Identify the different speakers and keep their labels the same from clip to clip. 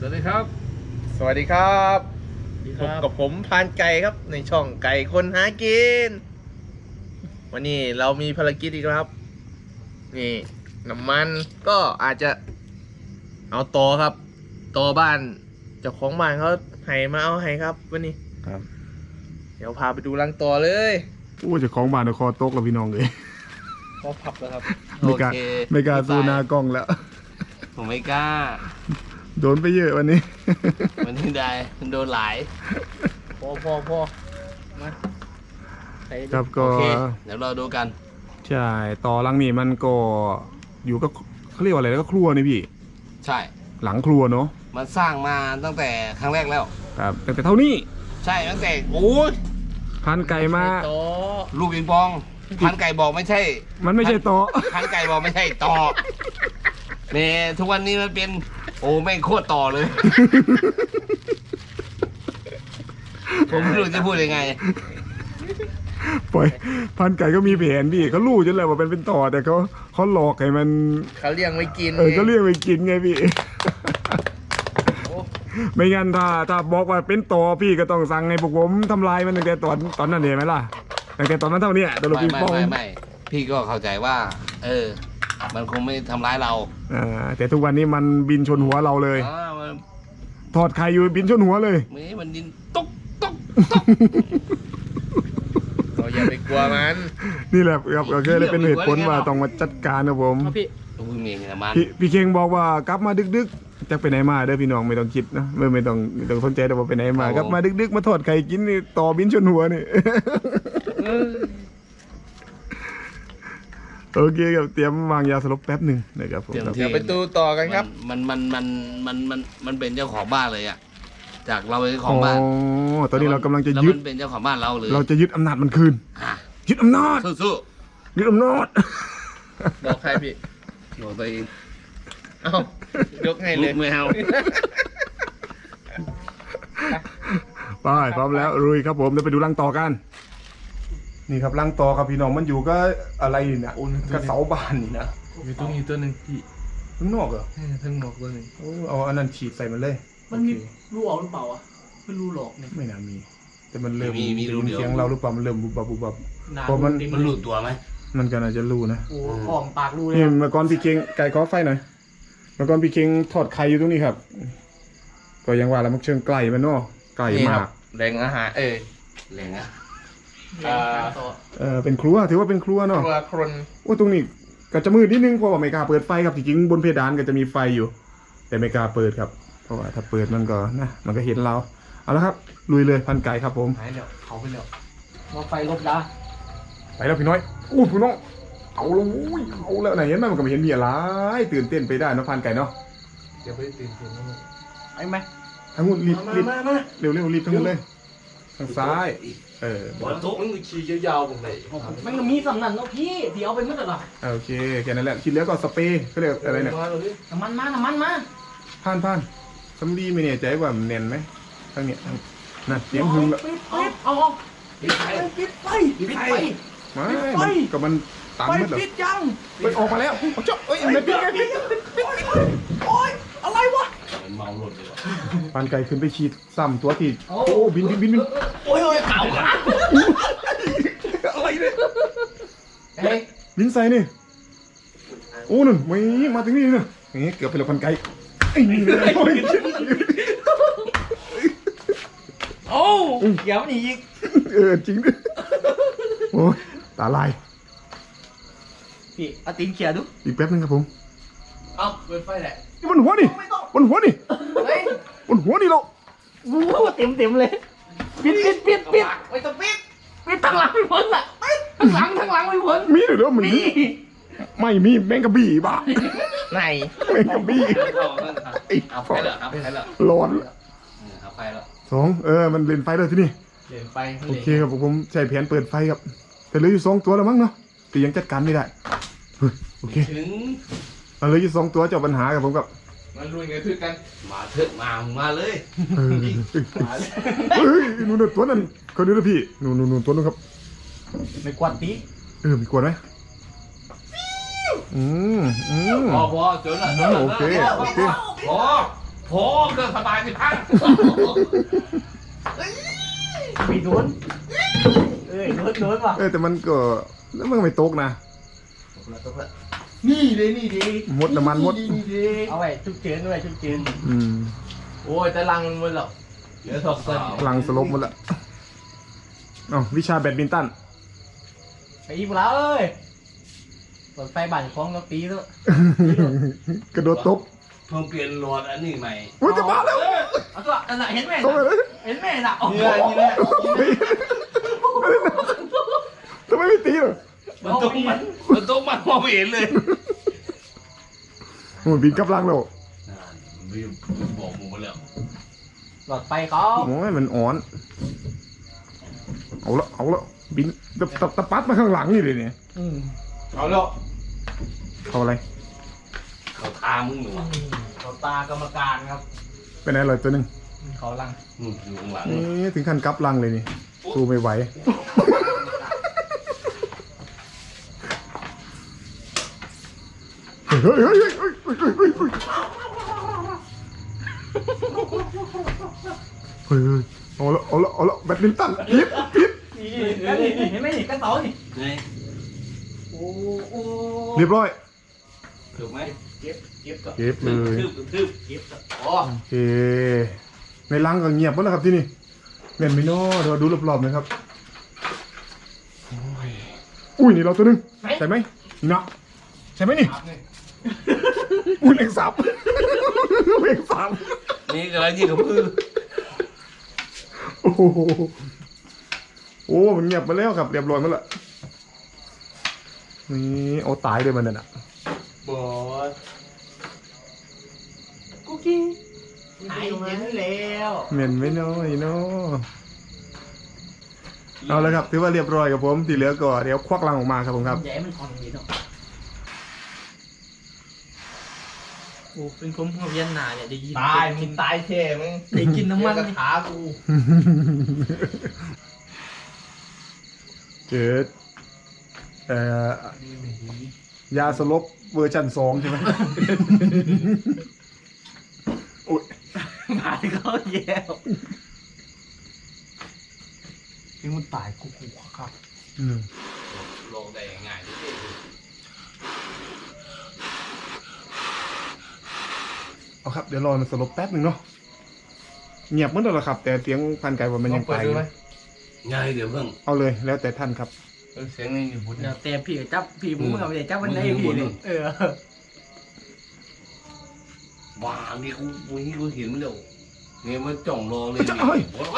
Speaker 1: วัสดีครับ
Speaker 2: สวัสดีครับ
Speaker 1: ดีค
Speaker 2: พบ
Speaker 1: รับ
Speaker 2: กับผมพานไก่ครับในช่องไก่คนหากิน วันนี้เรามีภารกิจอีกแล้วครับ นี่น้ำมันก็อาจจะเอาต่อครับต่อบ้านเจ้าของบ้านเขาให้มาเอาให้ครับวันนี้
Speaker 3: ครับ
Speaker 2: เดี๋ยวพาไปดูรังต่อเลย
Speaker 3: โอ้เจะของบ้านคอตกแล้วพี่น้องเลย
Speaker 1: พอพับแล้วครับ
Speaker 3: ไม่กล้า
Speaker 2: โอเค
Speaker 3: ไม่กล้าสู้หน้ากล้องแล้ว
Speaker 4: ผมไม่กล้า
Speaker 3: โดนไปเยอะวันนี้
Speaker 4: มันที่ใดมันโดนหลาย
Speaker 1: พอมาใส่
Speaker 3: ครับ
Speaker 4: โอ
Speaker 3: ก็
Speaker 4: เค เดี๋ยวเราดูกัน
Speaker 3: ใช่ต่อหลังนี้มันก็อยู่ก็เขาเรียกว่าอะไรแล้วก็ครัวนี่พี่
Speaker 4: ใช่
Speaker 3: หลังครัวเนาะ
Speaker 4: มันสร้างมาตั้งแต่ครั้งแรกแล้ว
Speaker 3: ครับแต่เท่านี้
Speaker 4: ใช่ตั้งแต่โอ้ย
Speaker 3: พันไก่มา
Speaker 1: โต
Speaker 4: ลูกปิงปองพันไก่บอกไม่ใช่
Speaker 3: มันไม่ใช่โต๊ะ
Speaker 4: พันไก่บอกไม่ใช่ต่อเนี่ยทุกวันนี้มันเป็นโอ้แม่งโคตรต่อเลย ผมไม่รู้จะพูดยังไง
Speaker 3: ปล่อยพันไก่ก็มีแผนพี่เขารู้จนเลยว่าเป็นต่อแต่เขาหลอกให้มัน
Speaker 2: เขาเลี้ยงไว้กิน
Speaker 3: ก็เรียกไปกินไงพี่ ไม่งั้นถ้าบอกว่าเป็นต่อพี่ก็ต้องสั่งให้พวกผมทำลายมันตั้งแต่ตอนนั้นเห็นไหมล่ะตั้งแต่ตอนนั้นเท่านี้ตัวลูก
Speaker 4: ไม่
Speaker 3: ปิงปอง
Speaker 4: ไม่พี่ก็เข้าใจว่า มันคงไม่ทำร้ายเรา
Speaker 3: แต่ทุกวันนี้มันบินชนหัวเราเลย
Speaker 4: มัน
Speaker 3: ถอดไข่อยู่บินชนหัวเลย
Speaker 4: มันดินตุ๊กตุ๊ก
Speaker 2: เราอย่าไปกลัวมัน
Speaker 3: นี่แหละครับก็เลยเป็นเหตุผลว่าต้องมาจัดการนะผม
Speaker 1: เอาพี่
Speaker 4: อุ้ยเมียนะมัน
Speaker 3: พี่เคงบอกว่ากลับมาดึกๆจะไปไหนมาเด้อพี่น้องไม่ต้องคิดนะไม่ต้องสนใจแต่ว่าไปไหนมากลับมาดึกๆมาถอดไข่กินนี่ต่อบินชนหัวนี่ โอเคครับเตรียมวางยาสลบแป๊บหนึ่งนะครับผมครับ
Speaker 2: เดี๋ยวไปดูต่อกันครับ
Speaker 4: มันเป็นเจ้าของบ้านเลยอ่ะจากเราเป็นเจ้าข
Speaker 3: อ๋
Speaker 4: องบ้าน
Speaker 3: อตอนนี้เรากำลังจะ
Speaker 4: แล้ว
Speaker 3: ยึด
Speaker 4: มันเป็นเจ้าของบ้านเราเลย
Speaker 3: เราจะยึดอำนาจมันคืน
Speaker 4: อ่ะ
Speaker 3: ยึดอำนาจ
Speaker 4: สู้
Speaker 3: ยึดอำนาจ
Speaker 2: บอกใครพี่
Speaker 4: ๆบอกตัวเอง
Speaker 2: เอ้ายกให้เล
Speaker 4: ลู
Speaker 2: ย
Speaker 4: กแมว
Speaker 3: ไปพร้อมแล้วรุยครับผมเดี๋ยวไปดูรังต่อกัน นี่ครับรังต่อครับพี่น้องมันอยู่ก็อะไรนี่นะกระเสาบ้านนี่นะ
Speaker 2: มีตัวนี้ตัวหนึ่งพี่
Speaker 3: ข้างนอกเหรอ
Speaker 2: ทั้งหมดตัวหนึ่ง
Speaker 3: โอ้เอาอันนั้นฉีดใส่มันเลย
Speaker 1: มันมี
Speaker 3: โอเค
Speaker 1: รูออกหรือเปล่าอ่ะไม่รู้หรอกเนี่ย
Speaker 3: ไม่น่ามี แต่มันเริ่ม
Speaker 4: มีรูเดียว
Speaker 3: เสียงเราหรือเปล่ามันเริ่มบุบบับบุบบับ
Speaker 1: หนา
Speaker 3: เพราะมัน
Speaker 1: ติด
Speaker 4: มันหลุดตัวไหม
Speaker 3: มันก็น่าจะรู้นะ
Speaker 1: โอ้ของปากรูเลย
Speaker 3: นี่เมื่อก่อนพี่เก่งไก่ขอไฟหน่อยเมื่อก่อนพี่เก่งทอดไข่อยู่ตรงนี้ครับ ก็ยังว่าแล้วมันเชิงไก่มันเนาะไก่
Speaker 2: นี่
Speaker 3: มา
Speaker 2: ค
Speaker 3: ก
Speaker 2: รับแรงอาหาร
Speaker 4: แรงอ่ะ
Speaker 1: ต่อ
Speaker 3: เป็นครัวถือว่าเป็นครัว
Speaker 2: ค
Speaker 3: เนาะ
Speaker 2: รัวครน
Speaker 3: โอ้ตรงนี้ก็จะมืดนิดนึงเพราะว่าไม่กล้าเปิดไฟครับจริงๆบนเพดานก็จะมีไฟอยู่ แต่ไม่กล้าเปิดครับ เพราะว่าถ้าเปิดมันก็นะมันก็เห็นเราเอาละครับลุยเลยพันไก่ครับผม
Speaker 1: หายแล้วเขาไปแล้วมาไฟลบดา
Speaker 3: ไปแล้วพี่น้อยอู้พี่น้องเอาแล้วอุ้ยเอาแล้วไหนเห็นไหมมันก็ไม่เห็นมีอะไรตื่นเต้นไปได้เนาะพันไก่เนาะ
Speaker 2: เดี๋ยวไปตื่นเต้นนะ
Speaker 1: ไอ้ไหม
Speaker 3: ทั้งหมดรีบ
Speaker 2: มา
Speaker 3: รีบ
Speaker 2: มามา
Speaker 3: เร็วรีบทั้งหมดเลยทางซ้าย
Speaker 2: บอลทุกมันขี่ยาวๆผมเลย
Speaker 1: มันมีสำนันเนาะพี่เดี๋ยวเอาไปเมื่อไหร่ล่ะ
Speaker 3: โอเคแค่นั้นแหละที่เหลือก็สเปรย์เขาเรียกอะไรเนี่ย
Speaker 1: น้ำมันมา
Speaker 3: ผ่านสำลีไม่แน่ใจว่ามันแน่นไหมทางเนี้ยนั่นเสียงหึงแล้ว
Speaker 1: ปิดเอาปิดไฟปิดไฟ
Speaker 3: ไม่ก็มันตาม
Speaker 1: ไฟ
Speaker 3: มืดเหรอ
Speaker 1: ปิดยัง
Speaker 3: ไปออกมาแล้วเอาเจ้าเอ้ยมันปิดไงปิด
Speaker 1: โอ๊ยอะไรวะ
Speaker 4: มันเมาหลุดเลยว่ะ
Speaker 3: ปานไก่ขึ้นไปฉีดซ้ำตัวที่โอ้บิน
Speaker 1: โอ้ยข่าวขา
Speaker 3: อะไรเนี่ย
Speaker 1: เฮ้ย
Speaker 3: บินใส่นี่โอ้นั่นไม่มาถึงนี่นะนี่เกือบไปแล้วพันไก่ไอ้นี่เลยโอ้ย
Speaker 1: โอ้เดี๋ยวนี่อีก
Speaker 3: จริงด้วยโอ้ยตาลาย
Speaker 1: พี่เอาตีนเขียดู
Speaker 3: อีกแป๊บนึงครับผม
Speaker 1: เอาเปิดไฟแหละ
Speaker 3: นี่บนหัวนี่บนหัวนี่
Speaker 1: เฮ้ย
Speaker 3: บนหัวนี่เรา
Speaker 1: โอ้เต็มเลยปิดไม่ต้องปิดทางหลังไม่พ้นล่ะทางหลังไม่พ้น
Speaker 3: มีหรือเปล่ามีไม่มีแมงกะบี้บ้า
Speaker 2: ไหน
Speaker 3: แมงกะบี้ไอ้
Speaker 4: เอาไฟเหรอครับไฟเหรอ
Speaker 3: ร้อน
Speaker 4: เอาไฟเหรอ
Speaker 3: สองมันเล่นไฟเลยที่นี่
Speaker 1: เดินไป
Speaker 3: โอเคครับผมใช้แผนเปิดไฟครับแต่เหลืออยู่2 ตัวแล้วมั้งเนาะแต่ยังจัดการไม่ได้เฮ้ยโอเค
Speaker 4: ถึง
Speaker 3: เหลืออยู่2 ตัวเจ้าปัญหากับผมกับ
Speaker 2: มันลุยกันคือกัน
Speaker 4: มาเถอะมาเลย
Speaker 3: เฮ้ยนู่นตัวนั้นคนนี้นะพี่นู่นตัวนู้นครับ
Speaker 1: ไม่กวาดตี
Speaker 3: มีกวนไหมอืม
Speaker 4: พอจนละ
Speaker 3: โอเค
Speaker 4: พอโผล่เกิดสบายสิพัง
Speaker 1: มีโดนโดนว่ะ
Speaker 3: แต่มันก็แล้วมันก็ไม่ตกนะ
Speaker 1: นี่เลยนี่ดี
Speaker 3: หมดน้ำมันหมด
Speaker 1: เอาไว้ชุกเฉินไว้ชุกเฉิน
Speaker 3: อืม
Speaker 2: โอ้ยแต่ลังมันหมดแล้วเหลือสองต้น
Speaker 3: พลังสลบหมดละอ๋อวิชาแบดมินตัน
Speaker 1: ไปอีกแล้วเอ้ยเปิดไฟบ้านของเราตีแล้ว
Speaker 3: กระโดดตบ
Speaker 4: เพิ่งเปลี่ยนโหลดอันนี้ใหม่
Speaker 3: อุ้ยจะมาแล้ว
Speaker 1: เอาตัวนั่นน่ะเห็นไหม
Speaker 3: ตบเลย
Speaker 1: เห็นไหมน่ะโอ้โห
Speaker 3: ทำไมไม่ตีหรอ
Speaker 4: มันต้องมันมองไม่เห็นเลย
Speaker 3: โอ้ยบินกลับลังแล้ว
Speaker 4: วิวบอกมึงมาแล้ว
Speaker 1: หลอดไฟเขา
Speaker 3: โอ้ยมันอ่อน เอาละบินตะปัดมาข้างหลังนี่เลยเนี่ย
Speaker 4: เอาแล้ว
Speaker 3: เขาอะไร
Speaker 4: เขาทามึงหนูอ่ะ
Speaker 1: เขาตากรรมการครับ
Speaker 3: เป็นอะไรเลยตัวหนึ่ง
Speaker 1: เขาลัง
Speaker 4: อยู่ข้างหลัง
Speaker 3: นี่ถึงขั้นกลับลังเลยนี่สู้ไม่ไหวเฮ้ยเอาละแบดมินตันพิษ
Speaker 1: นี่เห็นไหมนี่กระเต๋านี่
Speaker 4: ไง
Speaker 1: โอ้โอ้
Speaker 3: เรียบร้อย
Speaker 4: ถูกไหม
Speaker 1: เก็บก่อน
Speaker 3: เก็บเลย
Speaker 4: ทืบ
Speaker 1: เก็บก่อน
Speaker 4: อ๋อ
Speaker 3: โอเคในรังก็เงียบหมดแล้วครับที่นี่เงียบไม่น้อเดี๋ยวดูรอบๆหน่อยครับอุ้ยนี่เราตัวหนึงใช่ไหมนี่เนาะใช่ไหมนี่อุ้ยเล็งสับเล็งสับ
Speaker 4: นี่กำลังยิงกับมือ
Speaker 3: โอ้โหโอ้มันเงียบไปแล้วครับเรียบร้อยหมดละนี่เอาตายเลยมันน่ะ
Speaker 1: บอสกุ๊กกี้หายเย็นแล้ว
Speaker 3: เหม็นไม่น้อยเนาะเอาละครับถือว่าเรียบร้อยกับผมที่เหลือก็เดี๋ยวควักรังออกมาครับผมครับ
Speaker 1: ใหญ่มันของนี้เนาะโอ้เป็นผมหัวเวียนหนาเนี่ยได้ยิน
Speaker 2: ตายมึงตายเท่มึง
Speaker 1: ได้กินน้ำมัน
Speaker 2: กระถากู
Speaker 3: เจอยาสลบเวอร์ชัน2ใช่ไหมโอ้ย
Speaker 1: มาที่เขาแย่ว
Speaker 2: ที่มึงตายกูครับ
Speaker 4: ลงได้ง่ายๆ
Speaker 3: เอาครับเดี๋ยวรอมันสลบแป๊บหนึ่งเนาะเงียบเหมือนเดิมแหละครับ แต่เสียงพันไก่ว่ามันยัง
Speaker 2: เปิด
Speaker 3: ตายอ
Speaker 2: ดู
Speaker 3: ยู่
Speaker 2: ไหม
Speaker 4: ง่ายเดี๋ยวเพิ่ง
Speaker 3: เอาเลยแล้วแต่ท่านครับ
Speaker 2: เสียงนี่อยู่บุญ
Speaker 1: เดี๋ยวเตะพี่กับจับพี่มึงเอาไปจับวันไหนพี่เลย
Speaker 4: วางนี่กูเห็นมันเร็วเนี่ยมันจ่องรอเลย
Speaker 3: จะเอ้ย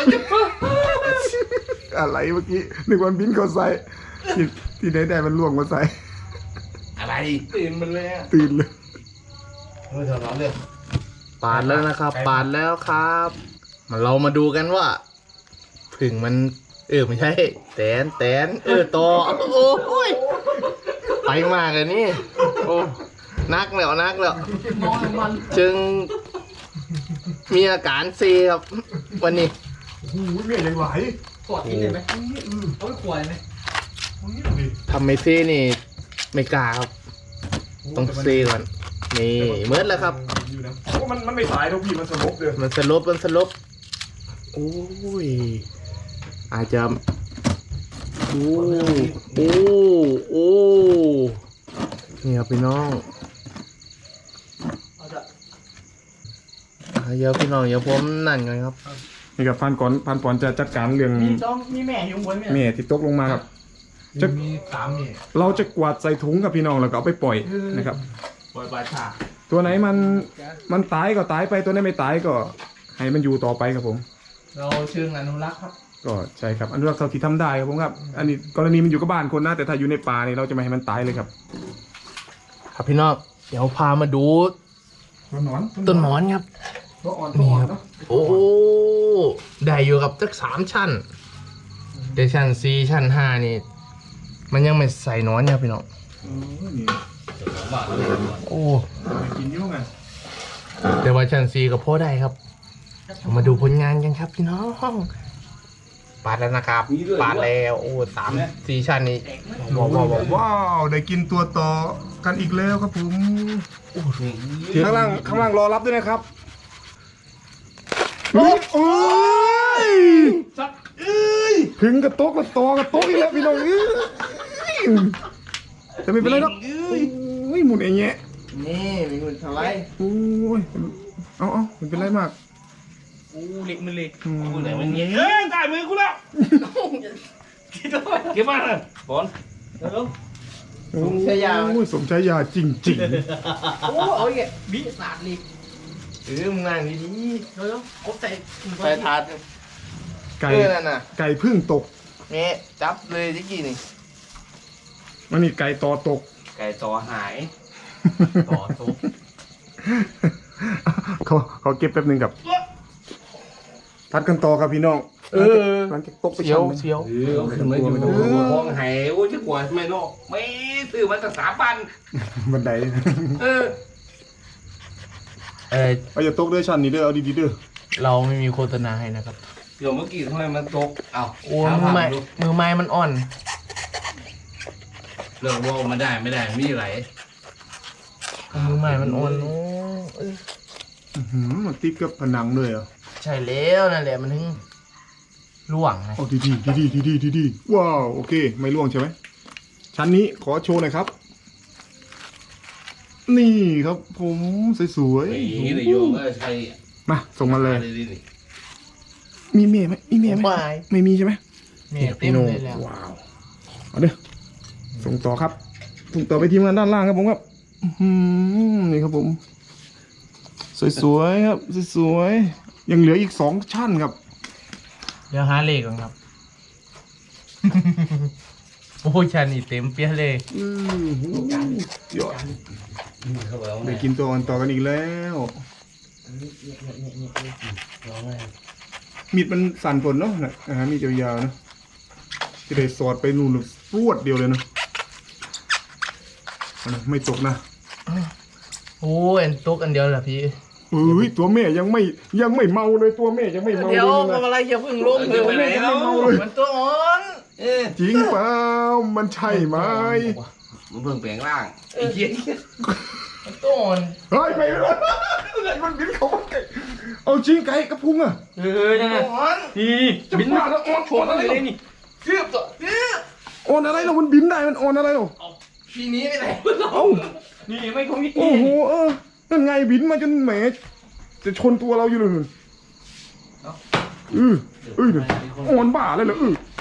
Speaker 3: อะไรเมื่อกี้นึกว่าบินเขาใส่ที่ไหนได้มันล่วงมาใส่
Speaker 4: อะไร
Speaker 2: ตื่นมันเลย
Speaker 3: ตื่นเลย
Speaker 4: เฮ้ยเดี๋ยวเราเรื่อง
Speaker 2: ปาดแล้วนะครับ ปาดแล้วครับเรามาดูกันว่าผึ่งมันไม่ใช่แตนต่อโอ้ยไปมากเลยนี่โอ้นักแล้ว
Speaker 1: มองมัน
Speaker 2: จึงมีอาการซีครับวันนี้
Speaker 3: โอ้โหเหนื่อยยังไหว
Speaker 1: กอดกินได้ไหมเอาไปขวดไหม
Speaker 2: ทำไม่ซีนี่ไม่กล้าครับต้องซีก่อนนี่เมิดแล้วครับ
Speaker 3: เพราะมันไม่ตายทุกพี่มันสลบเลย
Speaker 2: มันสลบโอ้ยอาจจะโอ้นี่ครับพี่น้องเดี๋ยวพี่น้องเดี๋ยวผมนั่นกันครับ
Speaker 3: นี่ครับพันก่อนจะจัดการเรื่อง
Speaker 1: มีแม่อยู่บนไหม
Speaker 3: แม่ที่ตกลงมาครับ
Speaker 2: มีสามนี่
Speaker 3: เราจะกวาดใส่ถุงกับพี่น้องแล้วก็เอาไปปล่อยนะครับ
Speaker 2: ปล่อยปลาฉา
Speaker 3: ตัวไหนมันตายก็ตายไปตัวไหนไม่ตายก็ให้มันอยู่ต่อไปครับผม
Speaker 2: เราเชิงอนุรักษ์ครับ
Speaker 3: ก็ใช่ครับอนุรักษ์เท่าที่ทำได้ครับผมครับ อันนี้กรณีมันอยู่กับบ้านคนนะแต่ถ้าอยู่ในป่านี่เราจะไม่ให้มันตายเลยครับ
Speaker 2: ครับพี่น้องเดี๋ยวพามาดู
Speaker 3: ต้นหนอน
Speaker 2: ต้นหมอนครับ
Speaker 3: ตัวอ่อนตัวอ่อนเนาะ
Speaker 2: โอ้ได้อยู่กับสัก3 ชั้นแต่ชั้น4ชั้น5นี่มันยังไม่ใส่หนอนครับพี่น้อง
Speaker 3: นี่
Speaker 2: โอ้
Speaker 3: ไปกินยุ่งไง
Speaker 2: แต่ว่าชั้น4ก็พอได้ครับเรามาดูผลงานกันครับพี่น้องปาดแล้วนะครับปาดแล้วโอ้3-4 ชั้นนี่
Speaker 3: ว้าวได้กินตัวต่อกันอีกแล้วครับผมข้างล่างรอรับด้วยนะครับเฮ้ยเอ้ยถึงกระโตกกระตอกระโตกอีกแล้วพี่น้องจะไม่เป็นไรหรอกโอ้ยหมุนเองแยะ
Speaker 2: นี่มีคนทำไร
Speaker 3: โอ้ยเอาไม่เป็นไรมาก
Speaker 1: เล็กมันเล็ก
Speaker 4: กูไหนมันเงี้ยได้มือกูแล้วเก็บมาเลยบอล
Speaker 2: สมชายา
Speaker 3: โอ้ยสมชายาจริง
Speaker 1: โอ้โอ้ยบิสาดเล็ก
Speaker 2: มึงนั่งดี
Speaker 1: เร็วครบใส่
Speaker 2: ๆไปทาน
Speaker 3: ๆไก่
Speaker 2: นั่นน่ะ
Speaker 3: ไก่พึ่งตก
Speaker 2: นี่จับเลยที่กี้นี่
Speaker 3: มันนี่ไก่ตอตก
Speaker 4: ไก่ต่อหาย
Speaker 1: ต่อทุบ
Speaker 3: เขาเก็บแป๊บหนึงกับพัดกันต่อครับพี่น้องหลังจากตกไปชั้น
Speaker 2: เสียว
Speaker 4: ขึ้นมาอยู่ห้องหายโอ้ยจะกลัวทำไมเนาะไม่ซื้อมาตั้ง3,000
Speaker 3: บันได เอาอย่าตกเด้อชั้นนี้เด้อเอาดีๆเด้อ
Speaker 2: เราไม่มีโฆษณาให้นะครับ
Speaker 4: เดี๋ยวเมื่อกี้ทำไมมันตกเอ้า
Speaker 2: โอ้มือไม้มันอ่อน
Speaker 4: เรื่องว่ามันได้ไม่ได้มีอะไร
Speaker 2: มือไม้มันอ่อนโอ้
Speaker 3: มันติดกับผนังเลยเหรอ
Speaker 2: ใช่แล้วนั่นแหละมันถึงล่วงไง
Speaker 3: เอาดีๆว้าวโอเคไม่ร่วงใช่ไหมชั้นนี้ขอโชว์หน่อยครับ นี่ครับผมสวย
Speaker 4: ไอ้นี่นายโยมก็ใช่
Speaker 3: ๆมาส่งมาเลย
Speaker 4: นี่
Speaker 3: มีเมียไหมมีเมียไหม
Speaker 2: ไม่
Speaker 3: ไม่มีใช่ไหม
Speaker 2: เนี่ยเต็มเลยแล้ว
Speaker 3: ว้าวเอาเด้อส่งต่อครับส่งต่อไปทีมงานด้านล่างครับผมครับนี่ครับผม สวยๆครับสวยๆยังเหลืออีก2ชั้นครับ
Speaker 2: เดี๋ยวหาเลขก่อนครับ โอ้ยชันนี่เต็มเปี้ยเลย
Speaker 3: ยอด
Speaker 4: เขาบอกว่า
Speaker 3: ได้กินตัวอ่อนต่อกันอีกแล้ว มีดมันสั่นฝนเนาะนะมีดยาวๆเนาะจะได้สอดไปนู่นรวดเดียวเลยเนาะเอานะไม่ตกนะ
Speaker 2: โอ้ยอันตุกอันเดียวเหรอพี่
Speaker 3: เอ้ยตัวแม่ยังไม่เมาเลยตัวแม่ยังไม่เมา
Speaker 2: เดี๋ยว
Speaker 3: เลย
Speaker 2: ทำ
Speaker 3: นะ
Speaker 2: อะไรอย่าเพิ่งลงเลย
Speaker 3: แม่ยังไม่เมาเลย
Speaker 2: มันตัวอ่อน
Speaker 3: จริงเปล่ามันใช่ไหม
Speaker 4: มันเพิ่งแปลงร่างไอ้เหี้ย
Speaker 2: มันตัวอ่อน
Speaker 3: เฮ้ยไปเลยมันบินเขาไก่เอาจริงไก่กระพุ้งอ่ะ
Speaker 1: ยังไง
Speaker 2: อ่อน
Speaker 1: นี่บินมาแล้วโชว์อะไรเลยนี่
Speaker 2: เกือบตัวเกือบ
Speaker 3: อ่อนอะไรเรามันบินได้มันอ่อนอะไรเรา
Speaker 2: ทีนี้ไปไหน
Speaker 3: เอ้า
Speaker 1: นี่ไม่คงมิด
Speaker 3: โอ้โหนั่นไงบินมาจนแหมจะชนตัวเราอยู่เลยนู่นเนี่ยอ่อนบ้าเลยเหรอ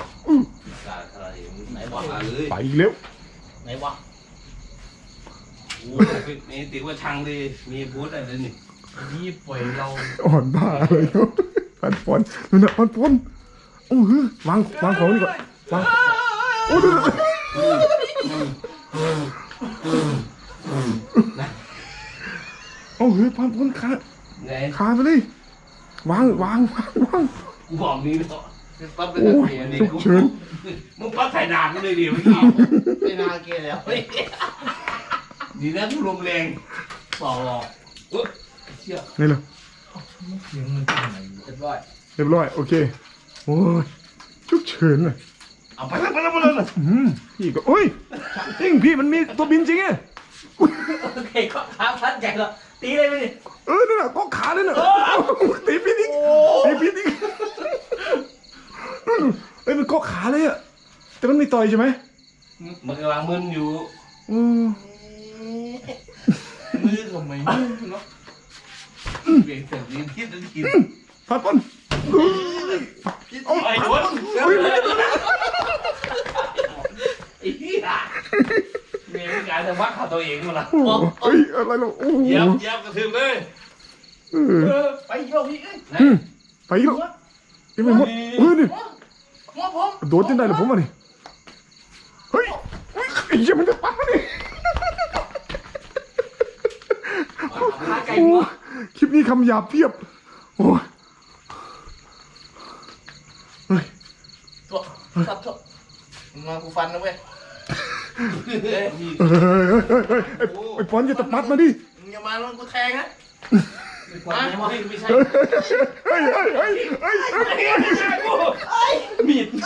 Speaker 4: ไหนบอกเลย
Speaker 3: ไปอีกแล้ว
Speaker 1: ไหนวะ
Speaker 4: โอ้นี่ตีว่าช่างดิมีพูดอะไรนี่
Speaker 1: นี่ปล่อยเรา
Speaker 3: อ่อนบ้าเลยเนาะพันปอนนู่นน่ะพันปอนโอ้โหวางของนี่ก่อนวางโอ้ดูโอ้โหพันปอนขา
Speaker 4: ไง
Speaker 3: ขาไปเลย วาง
Speaker 4: กูบอกนี่เนาะปั๊บเป็น
Speaker 3: โอ้ย
Speaker 4: เสียนี่
Speaker 3: ฉุกเฉิน
Speaker 4: มึงปั๊บถ่ายดาบกูเลยดิเมื่อกี้
Speaker 2: ไม่น่าเกลียดแล้ว
Speaker 4: ดีนะกูลมแรงต่อหรอกเชี่ย
Speaker 3: นี่เลย
Speaker 2: เสียงมันเป็นไงเรียบร้อย
Speaker 3: เรียบร้อยโอเคโอ้ยฉุกเฉินเลย
Speaker 4: เอาไปแล้ว
Speaker 3: พี่ก็โอ้ยจริงพี่มันมีตัวบินจริงไง
Speaker 1: โอเคก็ท้าพัดใหญ่แล้วตีเลยไปดิ
Speaker 3: นั่นน่ะก็ขาเลยน่ะตีพิษอีกมันก็ขาเลยอะแต่มันไม่ต่อยใช่ไหม
Speaker 4: มันกำลังมึนอยู่
Speaker 2: มือก็ไม่มือเนาะ
Speaker 4: เบี่ยงเสียงลิ้นคิดลิ้นกิน
Speaker 3: พัดปน
Speaker 4: ไอ้โดนไอ้เหี้ยมีการจะวัดขาตัวเองมาละ
Speaker 3: เฮ้ยอะไรเราโอ้โห
Speaker 4: เย็บกระทืบเลย
Speaker 1: ไปโยกพี่
Speaker 3: ไปอีกแล้วยังไม่หมดนี่
Speaker 1: หัวผม
Speaker 3: โดนจนได้เลยผมอ่ะนี่เฮ้ยไอ้เหี้ยมันจะปังนี่
Speaker 1: ขาไก่
Speaker 3: โอ้
Speaker 1: หัว
Speaker 3: คลิปนี้คำหยาบเพียบโอ้ยเฮ้ย
Speaker 2: ตัวตัดตัวมากูฟันนะเว้ย
Speaker 3: ไอ้ปอนอย่าตะปัดมาดิ
Speaker 2: มึงอย่ามาแล้วกูแทงนะ
Speaker 4: ไม่ใช่
Speaker 3: เฮ้ย
Speaker 1: มีด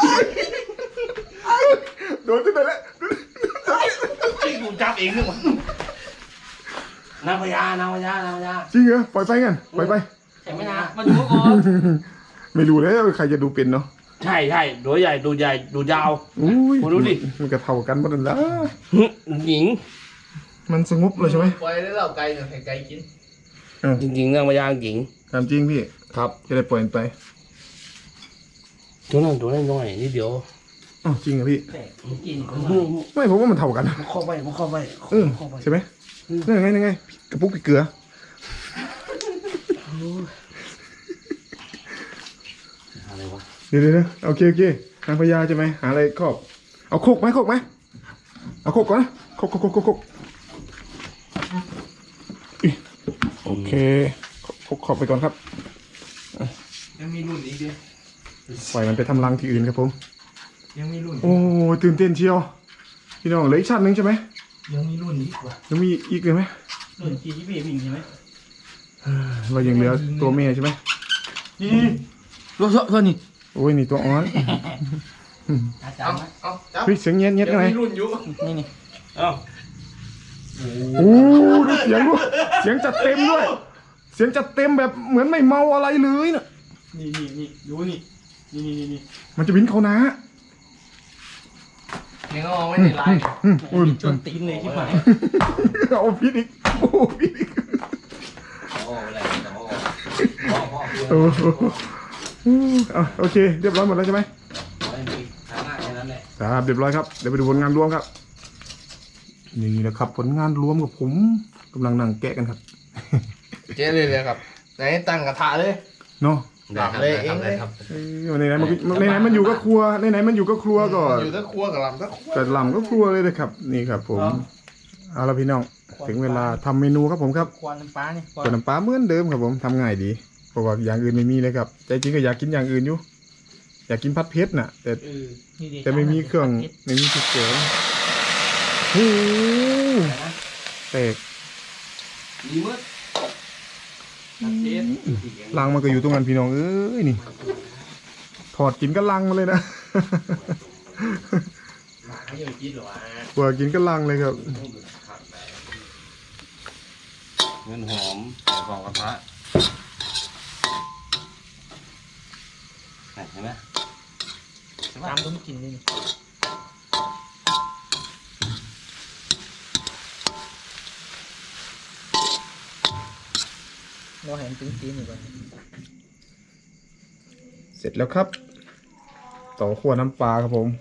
Speaker 3: โดนที่ไหนแล้ว
Speaker 4: ที่กูจับเองนี่หว่านางพญานางพญานางพญา
Speaker 3: จริงเหรอปล่อยไปงั้นปล่อยไป
Speaker 1: ใช่ไหมนะมาดูก่อน
Speaker 3: ไม่รู้แล้วใครจะดูเป็นเนาะ
Speaker 4: ใช่ใช่ตัวใหญ่ดูใหญ่ดูยาว
Speaker 3: อุ้ย
Speaker 4: โอ้ดูดิ
Speaker 3: มันก็เท่ากันหมดนั่นแหละ
Speaker 4: หญิง
Speaker 3: มันสงบเลยใช่ไหม
Speaker 2: ปล่อยได้แล้วไก่เนี่ยให้ไก่กิน
Speaker 4: จริงๆเรื่องมายางหญิง
Speaker 3: ตามจริงพี่
Speaker 4: ครับ
Speaker 3: จะได้ปล่อยมันไป
Speaker 4: ตัวนั้นตัวน้อยๆนิดเดียว
Speaker 3: อ๋อจริงเหรอพี่
Speaker 1: แต่กิน
Speaker 3: ไม่ผมว่ามันเท่ากัน
Speaker 4: มันเข้าไปมันเข้าไป
Speaker 3: เออใช่ไหมนั่นไงนั่นไงกระปุกพริกเกลือ
Speaker 4: อะไรวะ
Speaker 3: เดี๋ยวโอเคนางพญาใช่ไหมหาอะไรครอบเอาโคกไหมเอาโคกก่อนนะโคกอิโอเคขอบไปก่อนครับ
Speaker 2: ยังมีรุ่นอีกเดียว
Speaker 3: ปล่อยมันไปทำรังที่อื่นครับผม
Speaker 2: ยังมีรุ่น
Speaker 3: โอ้ตื่นเต้นเชียวพี่น้องเหลืออีกชั้นหนึ่งใช่ไหม
Speaker 1: ยังมีรุ่นอีกว่ะ
Speaker 3: ยังมีอีกเลยไหม
Speaker 1: รุ่นที่พี่วิ่งใช่ไหม
Speaker 3: เรายังเหลือตัวแม่ใช่ไหม
Speaker 1: นี่รถเท่านี้
Speaker 3: โอ้ยนี่ตัวอ่อน
Speaker 1: อาจา
Speaker 2: เอา
Speaker 1: รย์ไหม
Speaker 2: เอาจับ
Speaker 3: เฮ้ยเสียงเงี้ย
Speaker 2: ยั
Speaker 3: ยังไง
Speaker 2: มีรุ่นอยู่
Speaker 1: นี่
Speaker 4: เอ้า
Speaker 3: โอ้ดูเสียงด้วยเสียงจัดเต็มด้วย เสียงจัดเต็มแบบเหมือนไม่เมาอะไรเลยน่ะ
Speaker 1: นี่ดูนี่
Speaker 3: มันจะบินเขานะ
Speaker 2: ยังเอาไว้ในไลน์
Speaker 3: อุ่น
Speaker 1: ชนตีนเลยที่หมาย
Speaker 3: เอาพิษอีกโอ้พิษอีก
Speaker 4: โอ้อะไรโอ้
Speaker 3: โอ้เอาโอเคเรียบร้อยหมดแล้วใช่ไหม
Speaker 4: ไม่มีทางหน้าแค่นั้นแหละ
Speaker 3: ครับเรียบร้อยครับเดี๋ยวไปดูผลงานรวมครับนี่นะครับผลงานรวมกับผมกำลังนั่งแกะกันครับ
Speaker 2: เจ๊เลยครับไหนตั้งกระทะเลย
Speaker 3: เนาะ
Speaker 2: ได้ครับได้ครับได้ครับ
Speaker 3: ในไหนมันอยู่ก็ครัวในไหนมันอยู่ก็ครัวก่อน
Speaker 2: อยู่ตะครัวกับลำตะครัว
Speaker 3: แต่ลำก็ครัวเลยนะครับ นี่ครับผมเอาละพี่น้องถึงเวลาทำเมนูครับผมครับ
Speaker 1: ควันน้ำปลานี่
Speaker 3: ส่วนน้ำปลาเหมือนเดิมครับผมทำง่ายดีเพราะว่าอย่างอื่นไม่มีเลยครับใจจริงก็อยากกินอย่างอื่นอยู่อยากกินผัดเผ็ดน่ะ แต่ไม่มีเครื่องไม่มีพริกเกลือโอ้โหแตก
Speaker 4: ดีมืด
Speaker 3: ลังมันก็อยู่ตรงนั้นพี่น้องเอ้ยนี่ถอดกินก็ลังมาเลยนะ
Speaker 4: ไม่ยอมกินหรอวะ
Speaker 3: กว่ากินก็ลังเลยครับ
Speaker 4: เงินหอมใส่ฟองกระทะเห็นไหม
Speaker 1: ตามต้องกินนี่เราเห็นตีนอยู่ก่อน
Speaker 3: เสร็จแล้วครับ ต่อขั้วน้ำปลาครับผม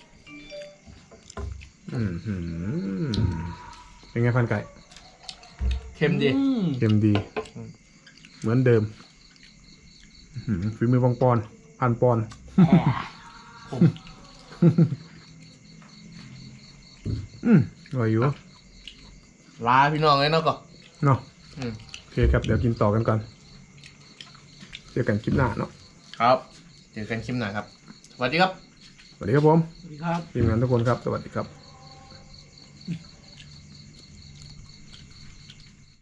Speaker 3: เป็นไงพันไก่
Speaker 2: เค็มดี
Speaker 3: เค็มดี เหมือนเดิมฝีมือบางปอนพันปอนอร่อยอยู่
Speaker 2: ลาพี่น้องเลยเนาะก็
Speaker 3: เนาะ
Speaker 2: อืม
Speaker 3: โอเคครับเดี๋ยวกินต่อกันก่อนเจอกันคลิปหน้าเนาะ
Speaker 2: ครับเจอกันคลิปหน้าครับสวัสดีครับ
Speaker 3: สวัสดีครับผม
Speaker 1: สวัสดีครับ
Speaker 3: ทีมงานทุกคนครับสวัสดีครับ